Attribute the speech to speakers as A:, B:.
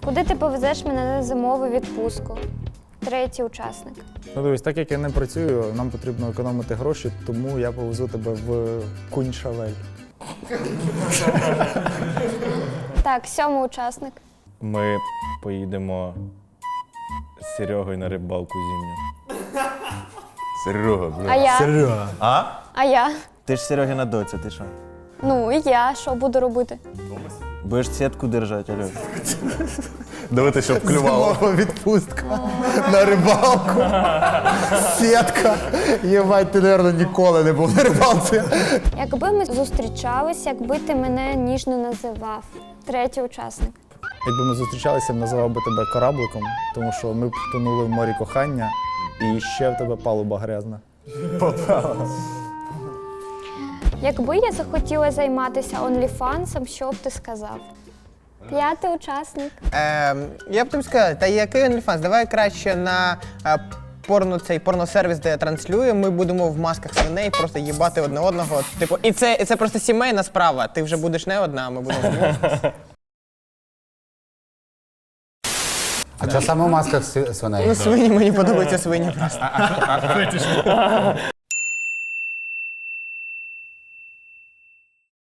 A: Куди ти повезеш мене на зимову відпустку? Третій учасник.
B: Ну дивись, так як я не працюю, нам потрібно економити гроші, тому я повезу тебе в Кунь-Шавель.
A: Так, сьомий учасник.
C: Ми поїдемо з Серегою на рибалку зимню.
D: Серега,
A: А
D: бля.
A: я?
D: Серега. А?
A: А я?
C: Ти ж Серегина доця, ти що?
A: Ну і я, що буду робити?
C: Будеш сітку держати, Альош?
D: Дивити, щоб клювало.
B: Зимова відпустка на рибалку. Сітка. Єбать, ти, мабуть, ніколи не був на рибалці.
A: Якби ми зустрічались, якби ти мене ніжно називав. Третій учасник.
B: Якби ми зустрічалися, я б називав би тебе корабликом, тому що ми б тонули в морі кохання, і ще в тебе палуба грязна.
A: Якби я захотіла займатися онліфансом, що б ти сказав? П'ятий учасник.
E: Я б тобі сказав, та який OnlyFans? Давай краще на порносервіс, де транслюємо, ми будемо в масках свиней просто їбати одне одного. Типу, і це просто сімейна справа. Ти вже будеш не одна, а ми будемо вдвох.
F: А чого саме в масках свиней?
E: Ну, свині, мені подобаються свині просто.